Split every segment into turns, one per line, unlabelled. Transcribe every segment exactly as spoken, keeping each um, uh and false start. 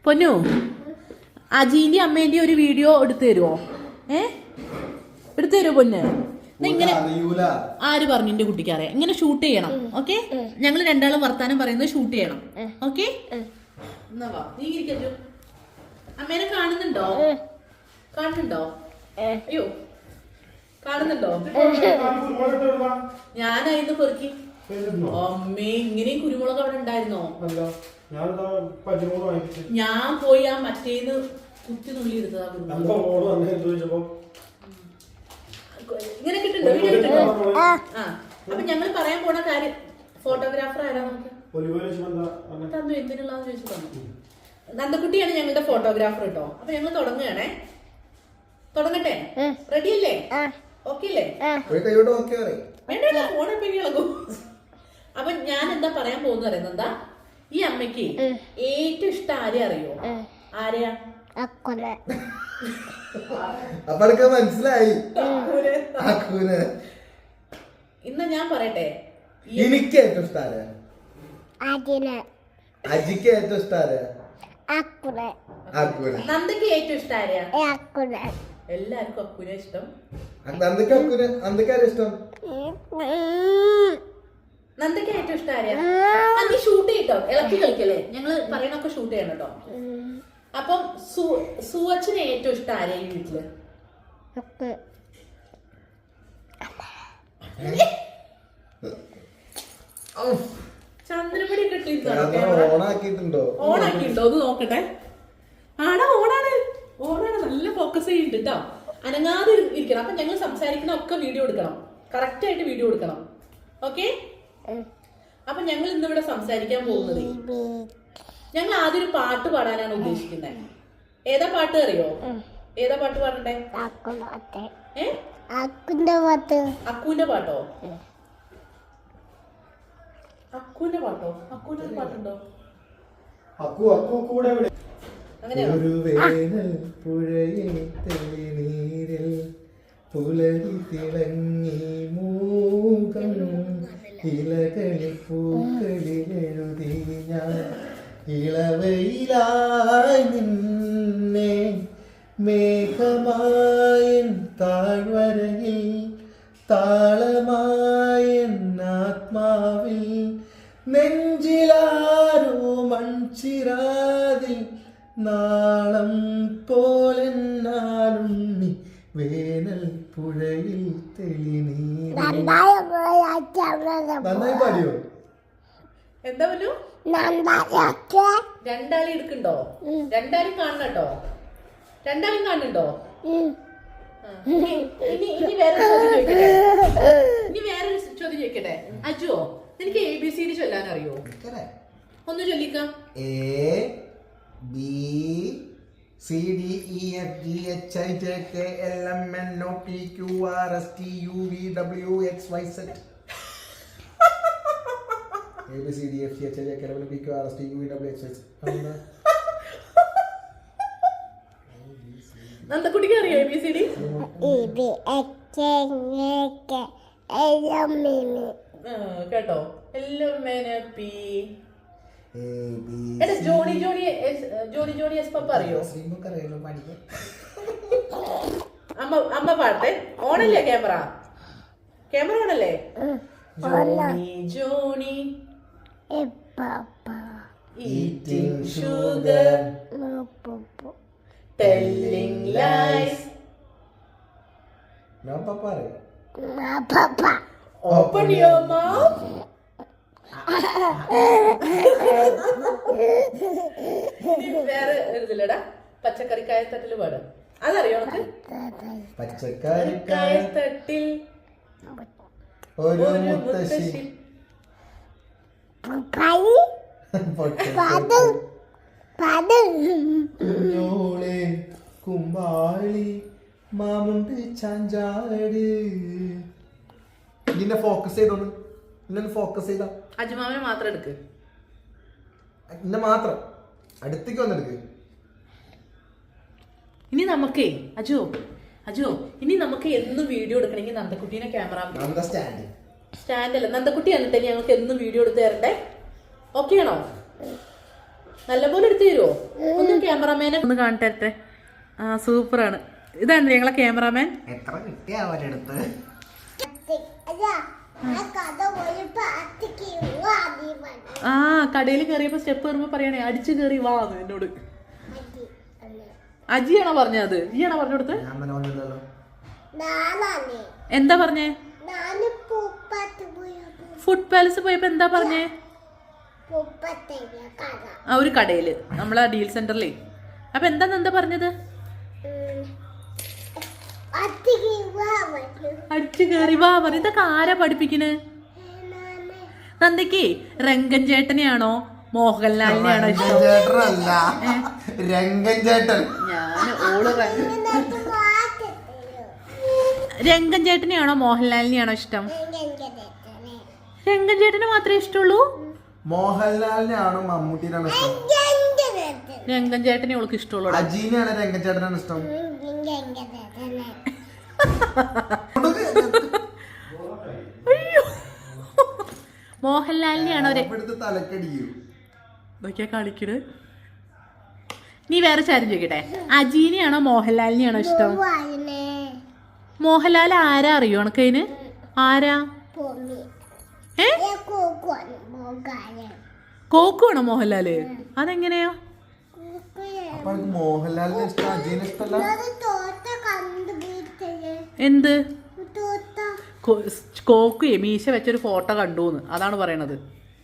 പൊന്നു അജീന്റെ അമ്മേന്റെ ഒരു വീഡിയോ എടുത്തു തരുമോ? ഏ എടുത്തു തരുമോ പൊന്ന്? ഇങ്ങനെ ആര് പറഞ്ഞു എന്റെ കുട്ടിക്ക് അറിയാം? ഇങ്ങനെ ഷൂട്ട് ചെയ്യണം. ഓക്കെ, ഞങ്ങൾ രണ്ടാളും വർത്താനം പറയുന്നത് ഷൂട്ട് ചെയ്യണം. ഓക്കെ, എന്നാ വാ നീ ഇരിക്കു. അമ്മേനെ കാണുന്നുണ്ടോ? കാണുന്നുണ്ടോ? അയ്യോ കാണുന്നുണ്ടോ? ഞാനായിരുന്നു പെറുക്കി. അമ്മേ, ഇങ്ങനെയും കുരുമുളക് അവിടെ ഉണ്ടായിരുന്നോ? ഞാൻ പോയി ആ മറ്റേന്ന് കുത്തി നുള്ളി എടുത്തതാ കുരുമുളക്. ഇങ്ങനെ കിട്ടുന്നുണ്ടോ? വീഡിയോ കിട്ടുന്നുണ്ടോ? ആ, അപ്പൊ ഞങ്ങൾ പറയാൻ പോണ കാര്യം ഫോട്ടോഗ്രാഫർ ആരാ? നമുക്ക് തന്നു. എന്തിനുള്ളതെന്ന് ചോദിച്ചു തന്നു. നന്ദക്കുട്ടിയാണ് ഞങ്ങളുടെ ഫോട്ടോഗ്രാഫർ കേട്ടോ. അപ്പൊ ഞങ്ങൾ തുടങ്ങുകയാണേ. തുടങ്ങട്ടെ? റെഡി അല്ലേ? ഓക്കെ അല്ലേ? വേണ്ട, ഫോണെപ്പോ ഇളകും. അപ്പൊ ഞാൻ എന്താ പറയാൻ പോകുന്നത് അറിയുന്നത്? എന്താ ഈ അമ്മയ്ക്ക് ഏറ്റവും ഇഷ്ടം ആരെ അറിയോ? ആരെയാ?
മനസ്സിലായി.
ഇന്ന് ഞാൻ പറയട്ടെ,
എനിക്ക് ഏറ്റവും ഇഷ്ടം അജിക്ക് ഏറ്റവും ഇഷ്ടം
നന്ദക്ക് ഏറ്റവും ഇഷ്ടം ആരെയാ? എല്ലാവർക്കും അക്കുനെ ഇഷ്ടം.
നന്ദക്ക് അക്കുനെ നന്ദക്കാരെ ഇഷ്ടം?
നന്ദക്ക് ഏറ്റവും ഇഷ്ടം ആരെയാ? നീ ഷൂട്ട് ചെയ്യട്ടോ, ഇളക്കി കളിക്കല്ലേ? ഞങ്ങള് പറയണൊക്കെ ഷൂട്ട് ചെയ്യണം കേട്ടോ. അപ്പം സുവച്ചിന് ഏറ്റവും ഇഷ്ടം ആരെയാ ഈ വീട്ടില്? ചന്ദ്രപടി
ഓണാക്കിയിട്ടുണ്ടോ?
ഓണാക്കിയിട്ടുണ്ടോ? ഒന്ന് നോക്കട്ടെ. ആടാ, ഓണാണ്. ഓണാണ്. നല്ല ഫോക്കസ് ചെയ്യുന്നുണ്ട് കേട്ടോ. അനങ്ങാതെ ഇരിക്കണം. അപ്പൊ ഞങ്ങൾ സംസാരിക്കണ ഒക്കെ വീഡിയോ എടുക്കണം. കറക്റ്റ് ആയിട്ട് വീഡിയോ എടുക്കണം. ഓക്കെ? അപ്പൊ ഞങ്ങൾ ഇന്നിവിടെ സംസാരിക്കാൻ പോകുന്നത്, ഞങ്ങൾ ആദ്യം ഒരു പാട്ട് പാടാനാണ് ഉദ്ദേശിക്കുന്നത്. ഏതാ പാട്ട് അറിയോ? ഏതാ പാട്ട് പാടണ്ടേ? ഏ അക്കുന്റെ പാട്ടോ? അക്കുന്റെ പാട്ടോ? അക്കുന്റെ ഒരു പാട്ടുണ്ടോ?
ഒരു വേനൽ പുഴയിൽ തെളിനീരിൽ പുലരി തിളങ്ങി മൂകം ഇലകളിൽ പൂക്കളിൽ എഴുതി ഞാൻ ഇളവയിലായി നിന്നെ മേഘമായൻ താഴ്വരയിൽ താളമായൻ ആത്മാവിൽ നെഞ്ചിലാരോ മൺചിരാതിൽ നാളം പോലെന്നാലുണ്ണി വേനൽ പുഴയിൽ തെളിനീർ. നന്നായി പാടിയോ?
എന്താ പറഞ്ഞു? രണ്ടാളി എടുക്കണ്ടോ? രണ്ടാളും കാണണട്ടോ. രണ്ടാളും കാണുന്നുണ്ടോ? ഇനി ഇനി വേറെ ചോദ്യം ചോദിക്കട്ടെ. ഇനി വേറെ ചോദ്യം ചോദിക്കട്ടെ. അജുവോ, നിനക്ക് എ ബി സി ഡി ചൊല്ലാൻ അറിയോ? ഒന്ന് ചൊല്ലിക്കാം.
A B C D E F G H I J K L M N O P Q R S T U V W X Y Z. A B C D F G H I J K L M N O P Q R S T U V W X Y Z.
നന്ദക്കുട്ടിക്ക് അറിയോ A B C D? കേട്ടോ? Johnny Johnny Johnny Johnny yes papa അറിയോ? അമ്മ അമ്മ പാട്ടെ. ഓണല്ലേ camera? Camera ഓണല്ലേ? Johnny Johnny eating sugar, telling lies.
No papa.
No papa.
Open your mouth. വേറെ എഴുതില്ലടാ. പച്ചക്കറിക്കായ തട്ടില് പാട്. അതറിയോ നമുക്ക്?
പച്ചക്കറിക്കായ
തട്ടിൽ
ഒരു മുത്തശ്ശി. കുഞ്ഞോളെ കുമ്പാളി മാമുണ്ട് ചാഞ്ചാട്. നിന്നെ ഫോക്കസ് ചെയ്തോന്ന്. നിന്നെ ഫോക്കസ് ചെയ്ത
അജുമാവിനെ മാത്രം എടുക്ക്.
നിന്നെ മാത്രം അടുത്തേക്ക് വന്നെടുക്ക്.
ഇനി നമുക്കേ അജു അജു ഇനി നമുക്ക് എന്നും വീഡിയോ എടുക്കണമെങ്കിൽ നന്ദക്കുട്ടീനെ ക്യാമറ
സ്റ്റാൻഡ്
സ്റ്റാൻഡ് അല്ല നന്ദക്കുട്ടി എന്നിട്ട് ഞങ്ങൾക്ക് എന്നും വീഡിയോ എടുത്ത് തരണ്ടേ? ഓക്കെ ആണോ? നല്ലപോലെ എടുത്തു തരുമോ? ഒന്നും ക്യാമറമാനെ ഒന്ന് കാണട്ടെ. ആ സൂപ്പറാണ്. ഇതാണ് ഞങ്ങളെ ക്യാമറാമാൻ.
എത്ര കിട്ടിയ അവരെടുത്ത്
ആ കടയിൽ കയറിയപ്പോ സ്റ്റെപ്പ് കയറുമ്പോ പറയണേ അടിച്ചു കയറി വാ എന്നോട്. അജിയാണോ പറഞ്ഞത്? ഈയാണോ പറഞ്ഞു കൊടുത്ത്? എന്താ പറഞ്ഞേ? ഫുഡ് പാലസ് പോയപ്പോ എന്താ പറഞ്ഞേ? ആ ഒരു കടയില് നമ്മളെ ഡീൽ സെന്ററിലേ. അപ്പൊ എന്താ എന്താ പറഞ്ഞത്? അടിച്ചു കയറി വാ പറ. ഇതൊക്കെ ആരാ പഠിപ്പിക്കണ്? നന്ദയ്ക്ക് രംഗൻ ചേട്ടനെയാണോ മോഹൻലാലിനെയാണോ ഇഷ്ടം?
രംഗൻ ചേട്ടൻ.
ഞാൻ ഓള് രംഗൻ ചേട്ടനെയാണോ മോഹൻലാലിനെയാണോ ഇഷ്ടം? രംഗൻ ചേട്ടനെ മാത്രമേ ഇഷ്ടമുള്ളൂ?
മോഹൻലാലിനെയാണോ മമ്മൂട്ടിനാണോ ഇഷ്ടം?
രംഗൻ ചേട്ടനെ ഓൾക്ക് ഇഷ്ടമുള്ളൂ.
അജീനെയാണ് രംഗൻ ചേട്ടനാണ് ഇഷ്ടം.
അയ്യോ മോഹൻലാലിനെയാണോ
തലക്കടിക്കൂ
ഇതൊക്കെയാ കളിക്കണ്. നീ വേറെ കാര്യം ചോദിക്കട്ടെ, അജീനെയാണോ മോഹൻലാലിനെയാണോ ഇഷ്ടം? മോഹൻലാൽ ആരാ അറിയോ ഉണക്കതിന്? ആരാ? ഏ കോക്കുവാണോ മോഹൻലാല്? അതെങ്ങനെയാ?
മോഹൻലാലിനെ ഇഷ്ടം അജീനെ ഇഷ്ടമല്ല?
എന്ത് കോക്കുയെ മീശ വെച്ചൊരു ഫോട്ടോ കണ്ടൂന്ന് അതാണ് പറയണത്.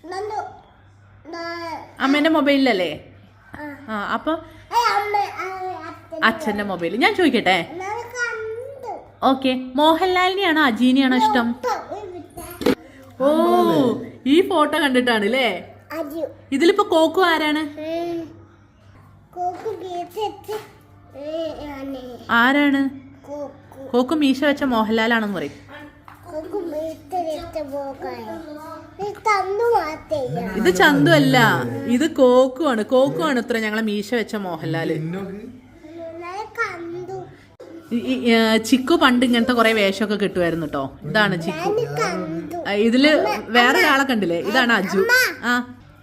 അമ്മേന്റെ മൊബൈലിലല്ലേ? ആ അപ്പൊ അച്ഛന്റെ മൊബൈലിൽ. ഞാൻ ചോദിക്കട്ടെ, ഓക്കെ മോഹൻലാലിനെയാണോ അജീനെയാണോ ഇഷ്ടം? ഓ ഈ ഫോട്ടോ കണ്ടിട്ടാണ് അല്ലേ? ഇതിലിപ്പോ കോക്കു ആരാണ്? ആരാണ് കോക്കു? മീശ വെച്ച മോഹൻലാലാണെന്ന് പറയും. ഇത് ചന്തു അല്ല, ഇത് കോക്കു ആണ്. കോക്കു ആണ് ഇത്ര ഞങ്ങളെ മീശ വെച്ച മോഹൻലാല്. ചിക്കു പണ്ട് ഇങ്ങനത്തെ കൊറേ വേഷമൊക്കെ കിട്ടുമായിരുന്നു കേട്ടോ. ഇതാണ് ചിക്കു. ഇതില് വേറെ ഒരാളെ കണ്ടില്ലേ? ഇതാണ് അജു. ആ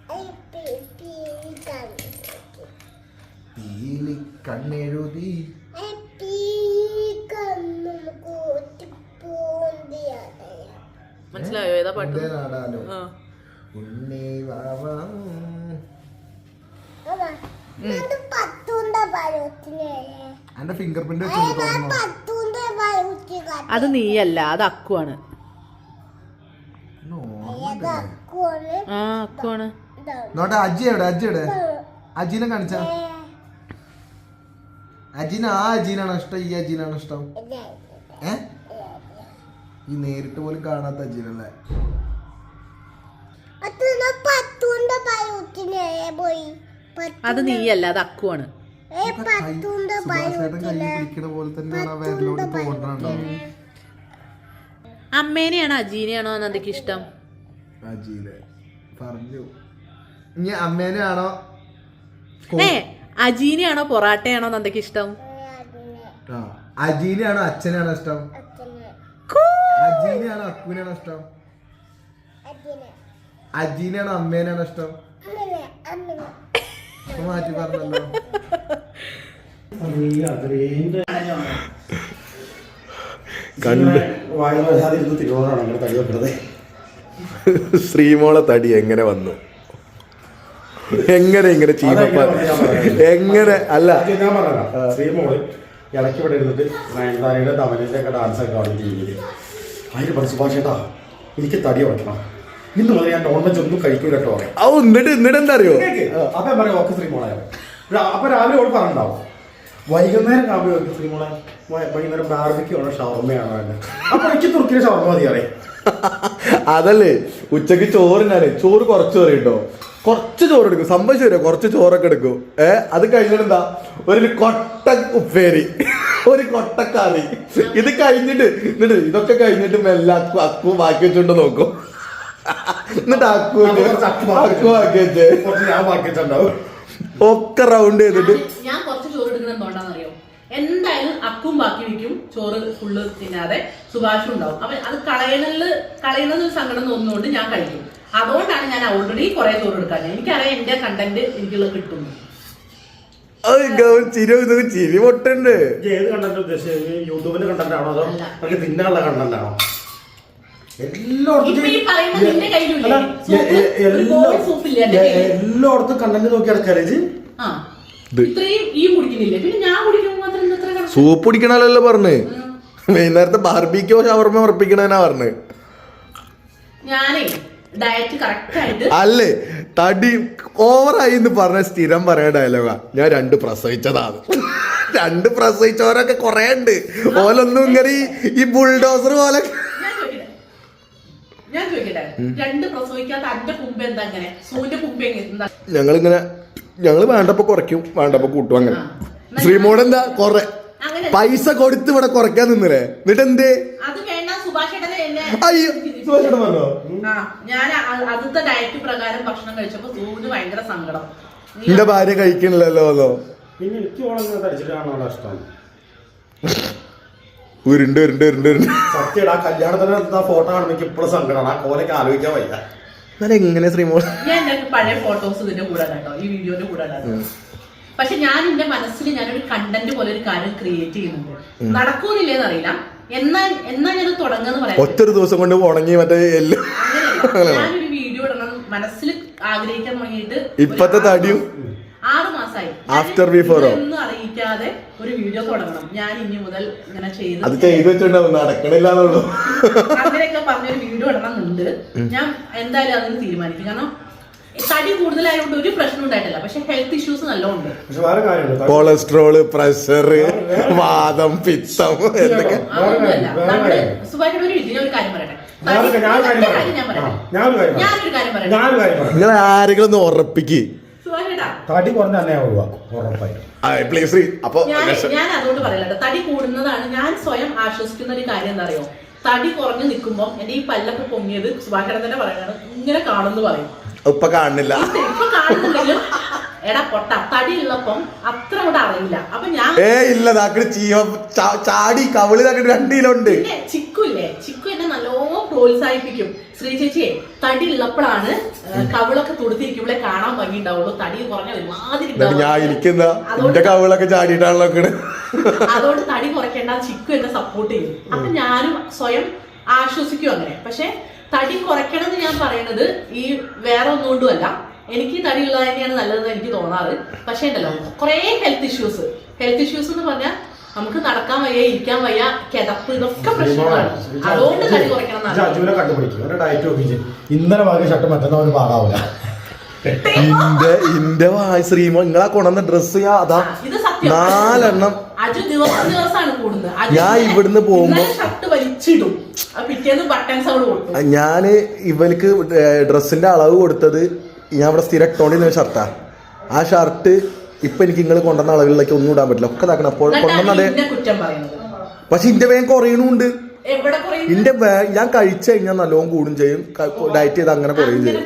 കണ്ണെഴുതി
മനസ്സിലായോ ഏതാ പാട്ട്? അത് നീയല്ല, അത് അക്കുവാണ്. ആ അക്കുവാണ്.
അജി എവിടെ? അജി എവിടെ? അജീനെ കാണിച്ച. അജീന ആ അജീനാണോ ഇഷ്ടം ഈ അജീനാണോ ഇഷ്ടം? ഏ ഈ നേരിട്ട് പോലും കാണാത്ത അജീനല്ലേ?
അത് നീയല്ല, അത് അക്കുവാണ്. അമ്മേനെയാണോ അജീനെയാണോ നന്ദയ്ക്ക് ഇഷ്ടം?
അജീനെ പറഞ്ഞു. ഇനി അമ്മേനെയാണോ
ഏ അജീനെയാണോ പൊറാട്ടയാണോ നന്ദയ്ക്ക് ഇഷ്ടം?
അജീനെയാണോ അച്ഛനെയാണോ ഇഷ്ടം? അജീനെയാണോ അക്കുവിനാണോ ഇഷ്ടം? അജീനെയാണോ അമ്മേനാണോ ഇഷ്ടം? മാറ്റി പറഞ്ഞല്ലോ.
ശ്രീമോളെ തടി എങ്ങനെ വന്നു? എങ്ങനെ ഇങ്ങനെ ചീമപ്പ എങ്ങനെ അല്ല
ഞാൻ പറഞ്ഞ ശ്രീമോള് ഇടയ്ക്ക് ഇവിടെ ഇരുന്നിട്ട് നയൻതാരയുടെ തമിഴിന്റെ ഒക്കെ ഡാൻസ് ഒക്കെ കാണും ടി വിയിൽ. അതിന് പറഞ്ഞു സുഭാഷേട്ടാ എനിക്ക് തടി ഉറക്കണം, ഇന്ന് മുതൽ ഞാൻ നോൺ വെജ് ഒന്നും കഴിക്കൂല കേട്ടോ.
എന്നിട്ട് എന്നിട്ട് എന്താ അറിയോ?
അപ്പൊ ഞാൻ പറയാം ഓക്കെ ശ്രീമോളെ. അപ്പൊ രാവിലെ ഓട് പറഞ്ഞിട്ടുണ്ടാവും, വൈകുന്നേരം രാവിലെ ഓക്കെ ശ്രീമോളെ വൈകുന്നേരം ബാർബിക്കാണോ ഷവർമ്മയാണോ എന്നെ. അപ്പൊ എനിക്ക് തുറക്കിയ ഷവർമ്മ മതി അറിയാം.
അതല്ലേ ഉച്ചക്ക് ചോറിനാണ്. ചോറ് കുറച്ച് കറി കേട്ടോ, കുറച്ച് ചോറ് എടുക്കും. സംഭവിച്ചു വരും, കുറച്ച് ചോറൊക്കെ എടുക്കും. ഏഹ് അത് കഴിഞ്ഞിട്ട് എന്താ ഒരു കൊട്ട ഉപ്പേരി, ഒരു കൊട്ടക്കറി. ഇത് കഴിഞ്ഞിട്ട് എന്നിട്ട് ഇതൊക്കെ കഴിഞ്ഞിട്ട് മെല്ലെ അക്കു അക്കു ബാക്കി വെച്ചോണ്ട് നോക്കും. എന്നിട്ട് അക്കു അക്കു ബാക്കി വെച്ചേ
ഞാൻ ബാക്കി വെച്ചിട്ടുണ്ടാവും.
ഒക്കെ റൗണ്ട് ചെയ്തിട്ട്
ഞാൻ കുറച്ച് ചോറ് എടുക്കണം. എന്തുകൊണ്ടാണെന്നറിയോ? എന്തായാലും അക്കും ബാക്കി വെക്കും, ചോറ് ഫുള്ള് തിന്നാതെ സുഭാഷും ഉണ്ടാവും. അപ്പൊ അത് കളയണല് കളയണത് ഒരു സങ്കടം തോന്നുന്നതുകൊണ്ട് ഞാൻ കഴിക്കും. അതുകൊണ്ടാണ് ഞാൻ ഓൾറെഡി കുറെ ചോറ് എടുക്കാൻ. എനിക്കറിയാം എന്റെ കണ്ടന്റ് എനിക്കുള്ളത് കിട്ടുന്നു.
അത് ചിരി ഇതൊക്കെ ചിരി പൊട്ടുണ്ട്.
ഏത് കണ്ടന്റ് ഉദ്ദേശിച്ചത്? യൂട്യൂബിന്റെ കണ്ടന്റ് ആണോ അതോ നമുക്ക് തിന്നാനുള്ള കണ്ടന്റ് ആണോ? എല്ലായിടത്തും കണ്ടന്റ് നോക്കി നടക്കാറ്.
സൂപ്പ് കുടിക്കണല്ലോ പറഞ്ഞ്. വൈകുന്നേരത്തെ ബാർബിക്കോ ഷവർമ ഉറപ്പിക്കണേനാ പറഞ്ഞ്. അല്ലേ തടി ഓവറായി എന്ന് പറഞ്ഞ സ്ഥിരം പറയാൻ ഡയലോഗാ. ഞാൻ രണ്ട് പ്രസവിച്ചതാണ്. രണ്ട് പ്രസവിച്ചവരൊക്കെ കൊറേ ഉണ്ട്. ഓലൊന്നും ഇങ്ങനെ ഈ ബുൾഡോസർ പോലെ. ഞങ്ങളിങ്ങനെ ഞങ്ങള് വേണ്ടപ്പോ കുറയ്ക്കും, വേണ്ടപ്പോ കൂട്ടും. അങ്ങനെ ശ്രീമോട് എന്താ കൊറേ പൈസ കൊടുത്ത് ഇവിടെ കുറയ്ക്കാൻ നിന്നില്ലേ? എന്നിട്ട് എന്തേ? അയ്യോ സുഭാഷേട്ടൻ പറഞ്ഞോ?
ഞാൻ ആദ്യത്തെ ഡയറ്റ് പ്രകാരം ഭക്ഷണം കഴിച്ചപ്പോ സൂന് ഭയങ്കര സങ്കടം.
എന്റെ ഭാര്യ കഴിക്കണില്ലല്ലോ.
പിന്നെ എനിക്ക് ഓളങ്ങനെ തടിച്ചിട്ടാണോ ഇഷ്ടം?
ഉരുണ്ട് ഉരുണ്ട് ഉരുണ്ട് ഉരുണ്ട്
സത്യടാ കല്യാണത്തിന് ഫോട്ടോ കാണുമ്പോ എനിക്ക് ഇപ്പോഴും സങ്കടമാണ്. ആ കോലൊക്കെ ആലോചിക്കാൻ വയ്യ.
എന്നാലും എങ്ങനെ ശ്രീമോൾ?
ഞാൻ എന്റെ പഴയ ഫോട്ടോസ് ഇതിന്റെ കൂടെ കേട്ടോ, ഈ വീഡിയോന്റെ കൂടെ. പക്ഷെ ഞാൻ എന്റെ മനസ്സിൽ ഞാനൊരു കണ്ടന്റ് പോലെ ഒരു കാര്യം ക്രിയേറ്റ് ചെയ്യുന്നുണ്ട്. നടക്കൂന്നില്ലേന്ന് അറിയില്ല. എന്നാ എന്നാ ഞാൻ തുടങ്ങുന്ന പറയാം.
ഒറ്റൊരു ദിവസം കൊണ്ട് ഉണങ്ങി മറ്റേ എല്ലാം
ഞാനൊരു വീഡിയോ ഇടണം മനസ്സിൽ ആഗ്രഹിക്കാൻ തുടങ്ങിയിട്ട്
ഇപ്പത്തെ തടിയും
ആറ് മാസമായി.
ആഫ്റ്റർ ബിഫോറോ
ഒന്നും അറിയിക്കാതെ ഒരു വീഡിയോ തുടങ്ങണം. ഞാൻ ഇനി മുതൽ ഇങ്ങനെ ചെയ്ത്
അത് ചെയ്ത് വെച്ചിട്ടുണ്ടാവും, നടക്കണില്ലാന്നുള്ളൂ.
അങ്ങനെയൊക്കെ പറഞ്ഞൊരു വീഡിയോ ഇടണമെന്നുണ്ട്. ഞാൻ എന്തായാലും അതിന് തീരുമാനിക്കും. കാരണം തടി കൂടുതലായതുകൊണ്ട് ഒരു പ്രശ്നം ഉണ്ടായിട്ടില്ല. പക്ഷെ ഹെൽത്ത് ഇഷ്യൂസ് നല്ലോണ്ട്.
കൊളസ്ട്രോള്, പ്രഷർ, വാദം, പിത്തം എന്തൊക്കെ.
അതൊന്നുമല്ല. നമ്മള് സുഖമായിട്ട് ഒരു ഇതിനൊരു കാര്യം പറയട്ടെ. ഞാനൊരു കാര്യം പറയട്ടെ.
നിങ്ങൾ ആരെങ്കിലും ഒന്ന് ഉറപ്പിക്ക്.
തടി കുറഞ്ഞ ഉറപ്പായിട്ടും.
അപ്പൊ
ഞാൻ അതുകൊണ്ട് പറയല്ലോ, തടി കൂടുന്നതാണ്. ഞാൻ സ്വയം ആശ്വസിക്കുന്ന ഒരു കാര്യം എന്താ അറിയോ? തടി കുറഞ്ഞു നിൽക്കുമ്പോ എന്റെ ഈ പല്ലൊക്കെ പൊങ്ങിയത് സുഭാഷേട്ടൻ തന്നെ പറയണത് ഇങ്ങനെ കാണുന്നു പറയും.
ഇപ്പൊ കാണുന്നില്ല.
ഇപ്പൊ കാണുന്നുണ്ടെങ്കിലും എടാ പൊട്ട തടി ഉള്ളപ്പം അത്ര കൂടെ അറിയില്ല. അപ്പൊ ഞാൻ
ഏ ഇല്ല ചാടി കവിളി രണ്ട് കിലോ ഉണ്ട്.
ചിക്കു ഇല്ലേ, ചിക്കു എന്നെ നല്ലോണം പ്രോത്സാഹിപ്പിക്കും. ശ്രീ ചേച്ചിയെ തടി ഉള്ളപ്പോഴാണ് കവിളൊക്കെ തുടുത്തിരിക്കുമ്പോഴേ കാണാൻ ഭംഗി ഉണ്ടാവുള്ളൂ. തടി കുറഞ്ഞ ഒരുമാതിരി
ഞാൻ ഇരിക്കുന്ന എന്റെ കവിളൊക്കെ ചാടിയിട്ടാണല്ലോ.
അതുകൊണ്ട് തടി കുറയ്ക്കേണ്ട, ചിക്കു എന്നെ സപ്പോർട്ട് ചെയ്യും. അപ്പൊ ഞാനും സ്വയം ആശ്വസിക്കും അങ്ങനെ. പക്ഷെ തടി കുറയ്ക്കണം എന്ന് ഞാൻ പറയുന്നത് ഈ വേറെ ഒന്നുകൊണ്ടും അല്ല. എനിക്ക് തടി ഉള്ളത് തന്നെയാണ് നല്ലതെന്ന് എനിക്ക് തോന്നാറ്. പക്ഷേ ഉണ്ടല്ലോ കുറെ ഹെൽത്ത് ഇഷ്യൂസ് ഹെൽത്ത് ഇഷ്യൂസ് എന്ന് പറഞ്ഞാൽ നമുക്ക് നടക്കാൻ വയ്യ, ഇരിക്കാൻ വയ്യ, കിതപ്പ്, ഇതൊക്കെ പ്രശ്നങ്ങളാണ്. അതുകൊണ്ട് തടി കുറയ്ക്കണം.
ഇന്നലെ വാങ്ങിയ ഷർട്ട് മറ്റന്നാൾ പാകാവില്ല.
ഇന്റെ ഇന്റെ ശ്രീമോ നിങ്ങളാ കൊണ്ടുവന്ന ഡ്രസ് അതാ നാലെണ്ണം
അജു ദിവസം ദിവസമാണ് കൂടുന്നത്.
ഞാൻ ഇവിടുന്ന് പോകുമ്പോ
ഷർട്ട് വലിച്ചിടും, പിറ്റേന്ന് ബട്ടൺസ് അവിടെ കൊടുക്കും.
ഞാന് ഇവർക്ക് ഡ്രസ്സിന്റെ അളവ് കൊടുത്തത് ഞാൻ ഇവിടെ സ്ഥിരം ഇട്ടോണ്ടിരുന്ന ഷർട്ടാ. ആ ഷർട്ട് ഇപ്പൊ എനിക്ക് നിങ്ങൾ കൊണ്ടുവന്ന അളവിലേക്ക് ഒന്നും ഇടാൻ പറ്റില്ല. ഒക്കെ ഇതാക്കണം. അപ്പോൾ കൊണ്ടുവന്നതേ. പക്ഷെ ഇന്റെ വേഗം കുറയണുണ്ട്. ഇന്റെ ഞാൻ കഴിച്ചു കഴിഞ്ഞാൽ നല്ലോണം കൂടും ചെയ്യും. ഡയറ്റ് ചെയ്ത് അങ്ങനെ കുറയും ചെയ്യും.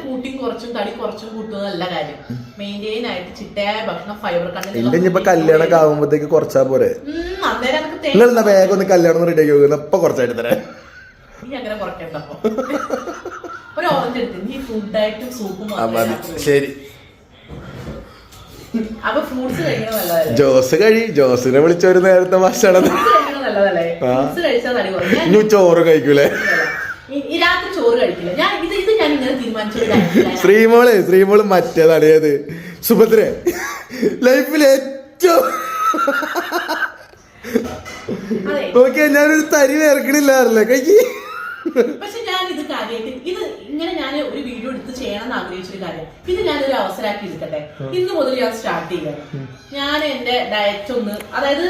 എന്റെ ഇനിയിപ്പോ കല്യാണൊക്കെ ആകുമ്പോഴത്തേക്ക് കുറച്ചാ പോരെ. നിങ്ങൾ എന്നാ വേഗം ഒന്ന് കല്യാണം റെഡി ആക്കി പോകുന്ന ഇപ്പൊ കുറച്ചായിട്ട് തരാം. ശരി. ജോസ് കഴി ജോസിനെ വിളിച്ച ഒരു നേരത്തെ ഭക്ഷണം ഇനി ചോറ് കഴിക്കൂലേ? ശ്രീമോള് ശ്രീമോള് മറ്റേതാണ് ഏത് സുഭദ്ര ലൈഫിൽ ഏറ്റവും നോക്കിയാ ഞാനൊരു തരി വേർക്കണില്ലാറില്ല കഴിക്ക്.
പക്ഷെ ഞാൻ ഇത് കാര്യമായിട്ട് ഇത് ഇങ്ങനെ ഞാൻ ഒരു വീഡിയോ എടുത്ത് ചെയ്യണം എന്ന് ആഗ്രഹിച്ചൊരു കാര്യം. ഇത് ഞാനൊരു അവസരമാക്കി എടുക്കട്ടെ. ഇന്ന് മുതൽ ഞാൻ സ്റ്റാർട്ട് ചെയ്യാം. ഞാൻ എന്റെ ഡയറ്റ് ഒന്ന് അതായത്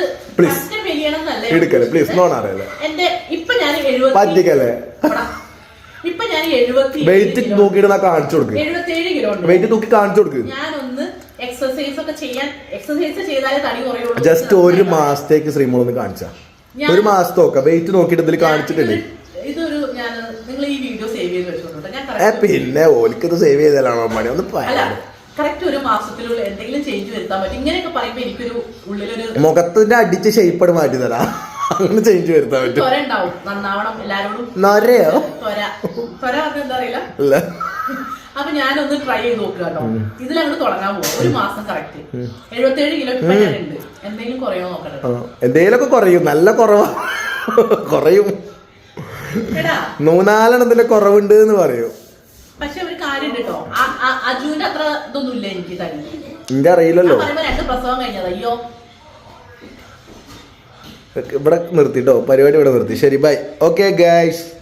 എന്റെ ഇപ്പൊ ഞാൻ എഴുപത്തി ഇപ്പൊ ഞാൻ എഴുപത്തി
വെയിറ്റ് നോക്കിയിട്ട് കാണിച്ചു കൊടുക്കും.
എഴുപത്തിയേഴ് കിലോ
വെയിറ്റ് നോക്കി കാണിച്ചു കൊടുക്കും.
ഞാനൊന്ന് എക്സസൈസ് ഒക്കെ ചെയ്യാൻ എക്സസൈസ് ചെയ്താലേ തടി കുറയുള്ളൂ.
ജസ്റ്റ് ഒരു മാസത്തേക്ക് ശ്രീമോൾ ഒന്ന് കാണിച്ചാ ഒരു മാസത്തെ നോക്കാം. വെയിറ്റ് നോക്കിയിട്ട് ഇതിൽ കാണിച്ചിട്ടില്ലേ?
ഇതൊരു ഞാൻ നിങ്ങൾ ഈ വീഡിയോ സേവ് ചെയ്ത് വെച്ചോട്ടോ. ഞാൻ
പിന്നെ ഓലിക്കത് സേവ് ചെയ്താലാണോ പണി? ഒന്ന്
കറക്റ്റ് ഒരു മാസത്തിലുള്ള എന്തെങ്കിലും ചേഞ്ച് വരുത്താൻ പറ്റും. ഇങ്ങനെയൊക്കെ പറയുമ്പോ എനിക്കൊരു ഉള്ളിലൊരു
മുഖത്തിന്റെ അടിച്ച് ഷേപ്പ് മാറ്റി തരാം. അങ്ങനെ ചേഞ്ച് വരുത്താൻ പറ്റും.
ത്വര ഉണ്ടാവും, നന്നാവണം എല്ലാരോടും.
നരയോ
ത്വര ത്വര എന്താ അറിയില്ല. അപ്പൊ ഞാനൊന്ന് ട്രൈ ചെയ്ത് നോക്കുക കേട്ടോ. ഇതിലങ്ങോട്ട് തുടങ്ങാൻ പോകും. ഒരു മാസം കറക്റ്റ് എഴുപത്തേഴ് കിലോ ഇപ്പൊ ഞാനുണ്ട്. എന്തെങ്കിലും കുറയോ നോക്കണം.
എന്തെങ്കിലുമൊക്കെ കുറയും. നല്ല കുറവാ കുറയും.
എടാ
മൂന്നാലെണ്ണത്തിന്റെ കുറവുണ്ട് എന്ന് പറയും.
പക്ഷെ ഒരു കാര്യം കേട്ടോ, അജുവിന്റെ അത്ര ഇതൊന്നും ഇല്ല എനിക്ക് തന്നെ.
എനിക്ക് അറിയില്ലല്ലോ.
പറയുമ്പോ രണ്ട് പ്രസവം കഴിഞ്ഞത്. അയ്യോ
ഇവിടെ നിർത്തിട്ടോ, പരിപാടി ഇവിടെ നിർത്തി. ശരി ബൈ. Okay guys.